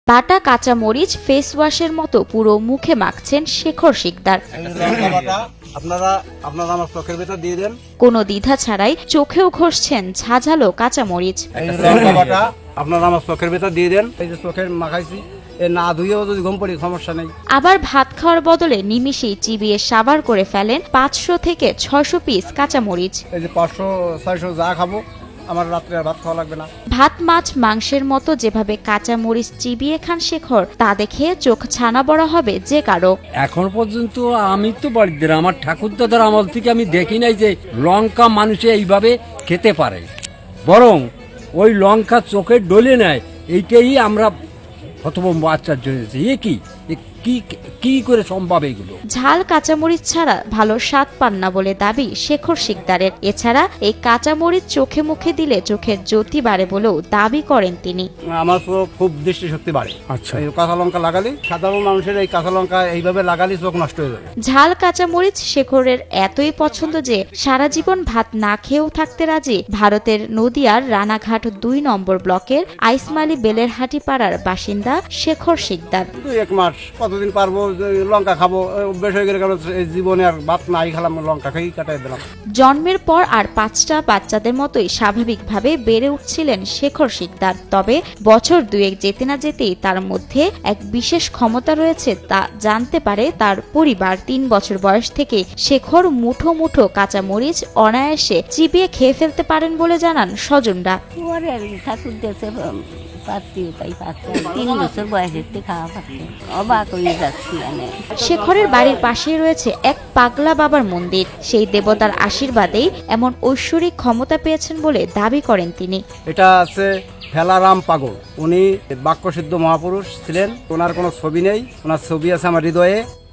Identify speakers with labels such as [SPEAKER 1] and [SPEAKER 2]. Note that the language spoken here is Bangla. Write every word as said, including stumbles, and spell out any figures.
[SPEAKER 1] বাটা কাঁচা মরিচ ফেস ওয়াশের মতো পুরো মুখে মাখছেন শেখর শিকদার।
[SPEAKER 2] আপনারা আপনারা আমার চোখের ভেতর দিয়ে দেন।
[SPEAKER 1] কোনো দ্বিধা ছাড়াই চোখেও ঘষছেন ঝাঝালো কাঁচা মরিচ।
[SPEAKER 2] আপনারা আমার চোখের ভেতর দিয়ে দেন। এই যে চোখের মাখাইছি, এ না ধুয়েও যদি ঘুম পড়ি সমস্যা নেই।
[SPEAKER 1] আবার ভাত খাওয়ার বদলে নিমিষেই চিবিয়ে সাবার করে ফেলেন পাঁচশো থেকে ছয়শো পিস কাঁচা মরিচ।
[SPEAKER 2] এই যে পাঁচশো ছয়শো যা খাবো, আমার রাত্রে আর ভাত খাওয়া লাগবে না।
[SPEAKER 1] ভাত মাছ মাংসের মতো যেভাবে কাঁচা মরিচ চিবিয়ে খান শেখর, তা দেখে চোখ ছানা বড়া হবে যে কারো।
[SPEAKER 3] এখন পর্যন্ত আমি তো বাড়িতে আমার ঠাকুরদাদার আমল থেকে আমি দেখি নাই যে লঙ্কা মানুষে এইভাবে খেতে পারে, বরং ওই লঙ্কা চোখে ডলে নেয়। এইটাই আমরা হতভম্ব আশ্চর্য হয়েছি, এ কি কি কি করে সম্ভব এগুলো।
[SPEAKER 1] ঝাল কাঁচামরিচ ছাড়া ভালো স্বাদ পান না বলে দাবি শেখর শিকদারের। এছাড়া এই কাঁচামরিচ চোখে মুখে দিলে চোখের জ্যোতি বাড়ে বলেও দাবি করেন তিনি।
[SPEAKER 2] আমার চোখ খুব দৃষ্টিশক্তি বাড়ে। আচ্ছা, এই কাঁচা লঙ্কা লাগালি, সাধারণ মানুষের এই কাঁচা লঙ্কা এইভাবে লাগালি চোখ নষ্ট হয়ে যাবে।
[SPEAKER 1] ঝাল কাঁচামরিচ শেখরের এতই পছন্দ যে সারা জীবন ভাত না খেয়েও থাকতে রাজি ভারতের নদিয়ার রানাঘাট দুই নম্বর ব্লকের আইসমালি বেলেরহাটি পাড়ার বাসিন্দা শেখর শিকদার।
[SPEAKER 2] দুই এক মাস কতদিন পারবো লঙ্কা খাবো, অভ্যেস হয়ে গেলে জীবনে আর ভাত নাই খেলাম, লঙ্কা খেয়েই কাটাই দিলাম।
[SPEAKER 1] জন্মের পর আর পাঁচটা বাচ্চাদের মতোই স্বাভাবিকভাবে বেড়ে উঠছিলেন শেখর শিকদার। তবে বছর দুয়েক যেতে না যেতেই তার মধ্যে এক বিশেষ ক্ষমতা রয়েছে তা জানতে পারে তার পরিবার। তিন বছর বয়স থেকে শেখর মুঠো মুঠো কাঁচা মরিচ অনায়াসে চিবিয়ে খেয়ে ফেলতে পারেন বলে জানান স্বজনরা।
[SPEAKER 4] তিন বছর বয়সের থেকে খাওয়া পাচ্ছে, অবাক হয়ে যাচ্ছি।
[SPEAKER 1] শেখরের বাড়ির পাশেই রয়েছে এক পাগলা বাবার মন্দির। সেই দেবতার আশীর্বাদেই এমন ঐশ্বরিক ক্ষমতা পেয়েছেন বলে দাবি করেন তিনি।
[SPEAKER 2] এটা আছে ফেলারাম পাগল, উনি বাক্যসিদ্ধ মহাপুরুষ ছিলেন। ওনার কোনো ছবি নেই, ওনার ছবি আছে আমার হৃদয়ে।